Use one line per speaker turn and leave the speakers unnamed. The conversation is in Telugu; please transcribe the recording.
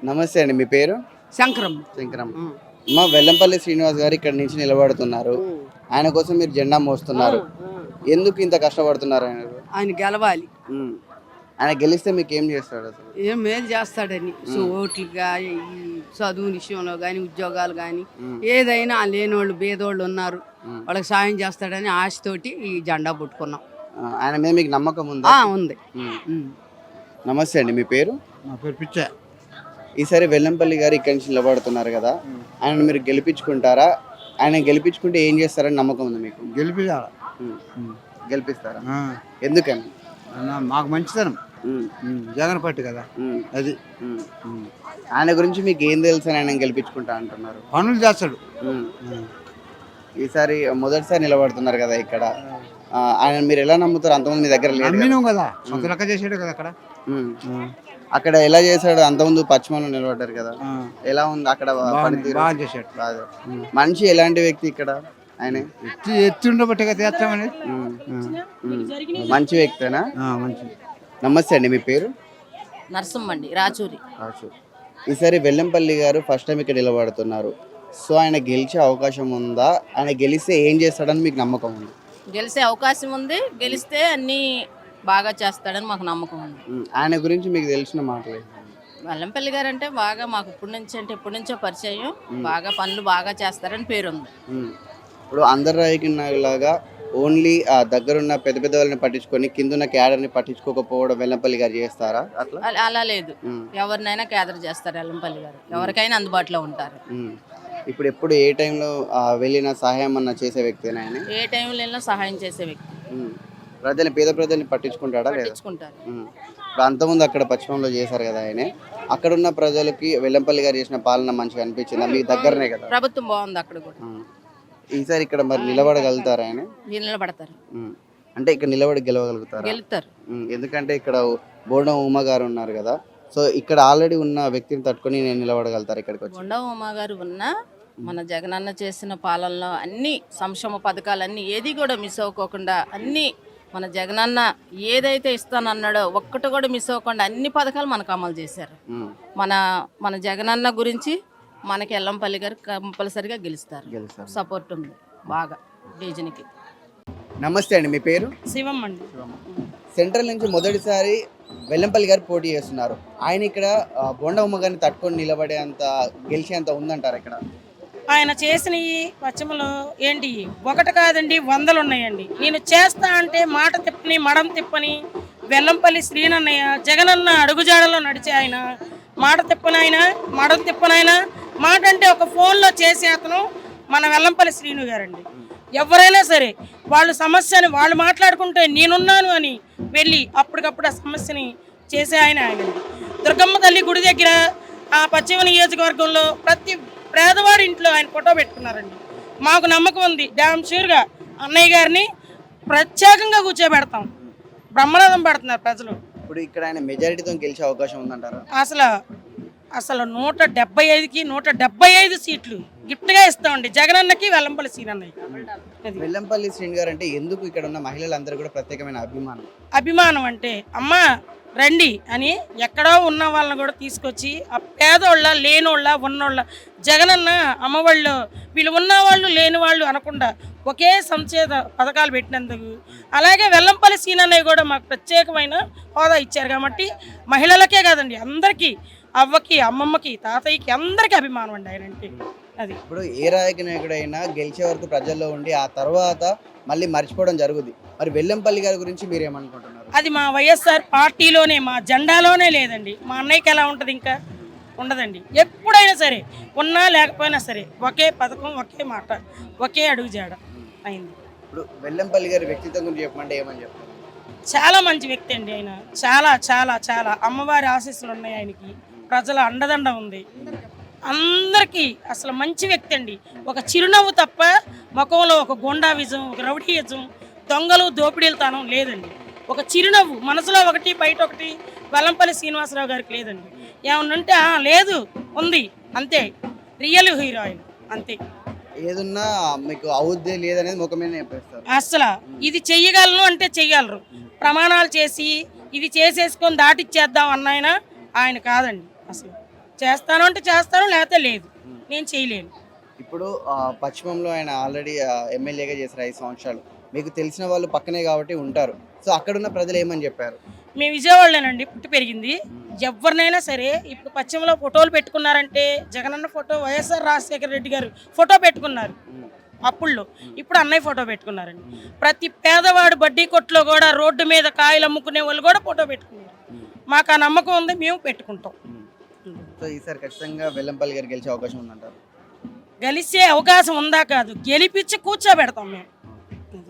నమస్తే అండి. మీ పేరు?
శంకరం.
శంకరం. అమ్మ, వెల్లంపల్లి శ్రీనివాస్ గారు ఇక్కడ నుంచి నిలబడుతున్నారు. ఆయన కోసం మీరు జెండా మోస్తున్నారు. ఎందుకు ఇంత కష్టపడుతున్నారు ఆయన?
ఆయన గెలవాలి.
ఆయన గెలిస్తే మీకు ఏం చేస్తాడు అసలు?
ఏం మేలు చేస్తాడని. సో ఓట్లుగా ఈ చదువు విషయంలో కానీ ఉద్యోగాలు కానీ ఏదైనా లేనోళ్ళు బేదోళ్ళు ఉన్నారు, వాళ్ళకి సాయం చేస్తాడని ఆశతోటి ఈ జెండా పుట్టుకున్నాం.
ఆయన మీద మీకు నమ్మకం ఉందా?
ఉంది.
నమస్తే అండి. మీ పేరు?
నా పేరు పిచ్చా.
ఈసారి వెల్లంపల్లి గారు ఇక్కడి నుంచి నిలబడుతున్నారు కదా, ఆయన మీరు గెలిపించుకుంటారా? ఆయన గెలిపించుకుంటే ఏం చేస్తారని నమ్మకం ఉంది మీకు? గెలిపిస్తారా? ఎందుకని?
మాకు మంచితనం, జగన్ పార్టీ కదా అది.
ఆయన గురించి మీకు ఏం తెలుసు అని ఆయన గెలిపించుకుంటా అంటున్నారు?
పనులు చేస్తాడు.
ఈసారి మొదటిసారి నిలబడుతున్నారు కదా ఇక్కడ, ఆయన మీరు ఎలా నమ్ముతారు? అంతకుముందు మీ దగ్గర లేదు
కదా, సొంత లెక్క చేసాడు కదా అక్కడ.
అక్కడ ఎలా చేశాడు? అంతకుముందు పశ్చిమలో నిలబడ్డారు కదా, ఎలా ఉంది అక్కడ పనితీరు?
బాగా చేశాడు.
మనిషి ఎలాంటి వ్యక్తి ఇక్కడ? ఆయన
ఎత్తి ఉండబట్టే కదా చేస్తామని.
మంచి వ్యక్తేనా?
మంచి.
నమస్తే అండి. మీ పేరు?
నరసింహండి, రాచూరి.
ఈసారి వెల్లంపల్లి గారు ఫస్ట్ టైం ఇక్కడ నిలబడుతున్నారు. సో ఆయన గెలిచే అవకాశం ఉందా? ఆయన గెలిస్తే ఏం చేస్తాడని మీకు నమ్మకం ఉంది?
గెలిచే అవకాశం ఉంది. గెలిస్తే అన్ని బాగా చేస్తాడని మాకు నమ్మకం ఉంది.
ఆయన గురించి మీకు తెలిసిన మాటలే.
వెల్లంపల్లి గారు అంటే బాగా మాకు ఇప్పటి నుంచో పరిచయం. బాగా పనులు బాగా చేస్తారని పేరుంది.
ఇప్పుడు అందరు రాజకీయలాగా ఓన్లీ ఆ దగ్గరున్న పెద్ద పెద్ద వాళ్ళని పట్టించుకొని కిందున్న క్యాడర్ని పట్టించుకోకపోవడం వెల్లంపల్లి గారు చేస్తారా? అట్లా
అలా లేదు. ఎవరినైనా క్యాదర్ చేస్తారు వెల్లంపల్లి గారు. ఎవరికైనా అందుబాటులో ఉంటారు.
ఇప్పుడు ఎప్పుడు ఏ టైంలో వెళ్ళిన సహాయం అన్న చేసే వ్యక్తి? ఆయన
ఏ టైంలో వెళ్ళినా సహాయం చేసే వ్యక్తి.
పేద ప్రజల్ని పట్టించుకుంటాడా?
పట్టించుకుంటారు.
ఇప్పుడు అంతకుముందు అక్కడ పశ్చిమంలో చేశారు కదా ఆయన, అక్కడున్న ప్రజలకి వెల్లంపల్లి గారు చేసిన పాలన మంచిగా అనిపించింది? మీ దగ్గరనే కదా
ప్రభుత్వం, బాగుంది అక్కడ కూడా.
ఈసారి ఇక్కడ మరి నిలబడగలుగుతారు? ఆయన
నిలబడతారు.
అంటే ఇక్కడ నిలబడి గెలవగలుగుతారు?
గెలుస్తారు.
ఎందుకంటే ఇక్కడ బోండం ఉమ గారు ఉన్నారు కదా, సో ఇక్కడ ఆల్రెడీ ఉన్న వ్యక్తిని తట్టుకొని నేను నిలబడగలుగుతారు ఇక్కడికి వచ్చి?
బోండం ఉమ గారు ఉన్నా మన జగనన్న చేసిన పాలనలో అన్ని సంక్షేమ పథకాలన్నీ ఏది కూడా మిస్ అవ్వకోకుండా అన్ని మన జగనన్న ఏదైతే ఇస్తానన్నాడో ఒక్కటి కూడా మిస్ అవ్వకుండా అన్ని పథకాలు మనకు అమలు చేశారు. మన జగనన్న గురించి మనకి వెల్లంపల్లి గారు కంపల్సరిగా గెలుస్తారు. సపోర్ట్ ఉంది బాగా డివిజన్కి.
నమస్తే అండి. మీ పేరు?
శివం అండి.
సెంట్రల్ నుంచి మొదటిసారి వెల్లంపల్లి గారు పోటీ చేస్తున్నారు. ఆయన ఇక్కడ బోండా ఉమ్మ గారిని తట్టుకొని నిలబడేంత గెలిచేంత ఉందంటారు ఇక్కడ?
ఆయన చేసినవి పశ్చిమలో ఏంటి ఒకటి కాదండి, 100 ఉన్నాయండి. నేను చేస్తా అంటే మాట తిప్పని మడం తిప్పని వెల్లంపల్లి శ్రీనన్నయ్య జగనన్న అడుగుజాడలో నడిచే ఆయన, మాట తిప్పనైనా మడం తిప్పనైనా, మాట అంటే ఒక ఫోన్లో చేసే అతను మన వెల్లంపల్లి శ్రీను గారండి. ఎవరైనా సరే వాళ్ళ సమస్యని వాళ్ళు మాట్లాడుకుంటే నేనున్నాను అని వెళ్ళి అప్పటికప్పుడు ఆ సమస్యని చేసే ఆయనండి. దుర్గమ్మ తల్లి గుడి దగ్గర ఆ పశ్చిమ నియోజకవర్గంలో ప్రతి పేదవాడి ఇంట్లో ఆయన ఫోటో పెట్టుకున్నారండి. మాకు నమ్మకం ఉంది, డ్యామ్ షూర్గా అన్నయ్య గారిని ప్రత్యేకంగా కూర్చోబెడతాం. బ్రహ్మనాథం పెడుతున్నారు ప్రజలు.
ఇప్పుడు ఇక్కడ ఆయన మెజారిటీతో గెలిచే అవకాశం ఉందంటారా?
అసలు 175కి 175 సీట్లు గిఫ్ట్గా ఇస్తామండి జగనన్నకి వెల్లంపల్లి శ్రీనన్నయ్య.
వెల్లంపల్లి శ్రీని గారు అంటే ఎందుకు ఇక్కడ ఉన్న మహిళలందరూ కూడా ప్రత్యేకమైన
అభిమానం అంటే అమ్మా రండి అని ఎక్కడో ఉన్న వాళ్ళని కూడా తీసుకొచ్చి ఆ పేదోళ్ళ లేనోళ్ళ ఉన్నోళ్ళ జగనన్న అమ్మవాళ్ళు వీళ్ళు ఉన్నవాళ్ళు లేని వాళ్ళు అనకుండా ఒకే సంక్షేమ పథకాలు పెట్టినందుకు, అలాగే వెల్లంపల్లి శ్రీనన్నయ్య కూడా మాకు ప్రత్యేకమైన హోదా ఇచ్చారు కాబట్టి మహిళలకే కాదండి అందరికీ, అవ్వకి అమ్మమ్మకి తాతయ్యకి అందరికీ అభిమానం అండి ఆయన అంటే. అది
ఇప్పుడు ఏ రాజకీయ నాయకుడైనా గెలిచే వరకు ప్రజల్లో ఉండి ఆ తర్వాత మళ్ళీ మర్చిపోవడం జరుగుతుంది. మరి వెల్లంపల్లి గారి గురించి మీరేమనుకుంటున్నారు?
అది మా వైఎస్ఆర్ పార్టీలోనే మా జెండాలోనే లేదండి. మా అన్నయ్యకి ఎలా ఉంటుంది? ఇంకా ఉండదండి. ఎప్పుడైనా సరే ఉన్నా లేకపోయినా సరే ఒకే పథకం, ఒకే మాట, ఒకే అడుగు జాడ అయింది.
ఇప్పుడు వెల్లంపల్లి గారి వ్యక్తిత్వం గురించి చెప్పమంటే ఏమని చెప్తారు?
చాలా మంచి వ్యక్తి అండి ఆయన. చాలా చాలా చాలా అమ్మవారి ఆశీస్సులు ఉన్నాయి ఆయనకి, ప్రజల అండదండ ఉంది అందరికీ. అసలు మంచి వ్యక్తి అండి. ఒక చిరునవ్వు తప్ప ముఖంలో ఒక గుండావిజం, ఒక రౌడీయిజం, దొంగలు దోపిడీలతనం లేదండి. ఒక చిరునవ్వు మనసులో ఒకటి బయట ఒకటి వెల్లంపల్లి శ్రీనివాసరావు గారికి లేదండి. ఏమన్నంటే లేదు, ఉంది, అంతే. రియల్ హీరో ఆయన, అంతే.
ఏదన్నా మీకు అవుద్దే లేదనేది ముఖం మీద చెప్పేస్తారు.
అసలు ఇది చెయ్యగలను అంటే చెయ్యగలరు. ప్రమాణాలు చేసి ఇది చేసేసుకొని దాటిచ్చేద్దాం అన్నాయన ఆయన కాదండి. అసలు చేస్తాను అంటే చేస్తాను, లేకపోతే లేదు. నేను చేయలేను.
ఇప్పుడు పశ్చిమంలో ఆయన ఆల్రెడీ ఎమ్మెల్యేగా చేశారు 5 సంవత్సరాలు. మీకు తెలిసిన వాళ్ళు పక్కనే కాబట్టి ఉంటారు. సో అక్కడున్న ప్రజలు ఏమని చెప్పారు?
మేము విజయవాడలోనండి పుట్టి పెరిగింది. ఎవరినైనా సరే ఇప్పుడు పశ్చిమలో ఫోటోలు పెట్టుకున్నారంటే జగనన్న photo, YSR Rajasekhara Reddy garu photo పెట్టుకున్నారు అప్పుల్లో. ఇప్పుడు అన్నయ్య ఫోటో పెట్టుకున్నారండి. ప్రతి పేదవాడు బడ్డీ కొట్లో కూడా, రోడ్డు మీద కాయలు అమ్ముకునే వాళ్ళు కూడా ఫోటో పెట్టుకున్నారు. మాకు ఆ నమ్మకం ఉంది, మేము పెట్టుకుంటాం.
సో ఈసారి ఖచ్చితంగా వెల్లంపల్లి గారు గెలిచే అవకాశం ఉందంటారు.
గెలిచే అవకాశం ఉందా కాదు, గెలిపించి కూర్చోబెడతాం మేము.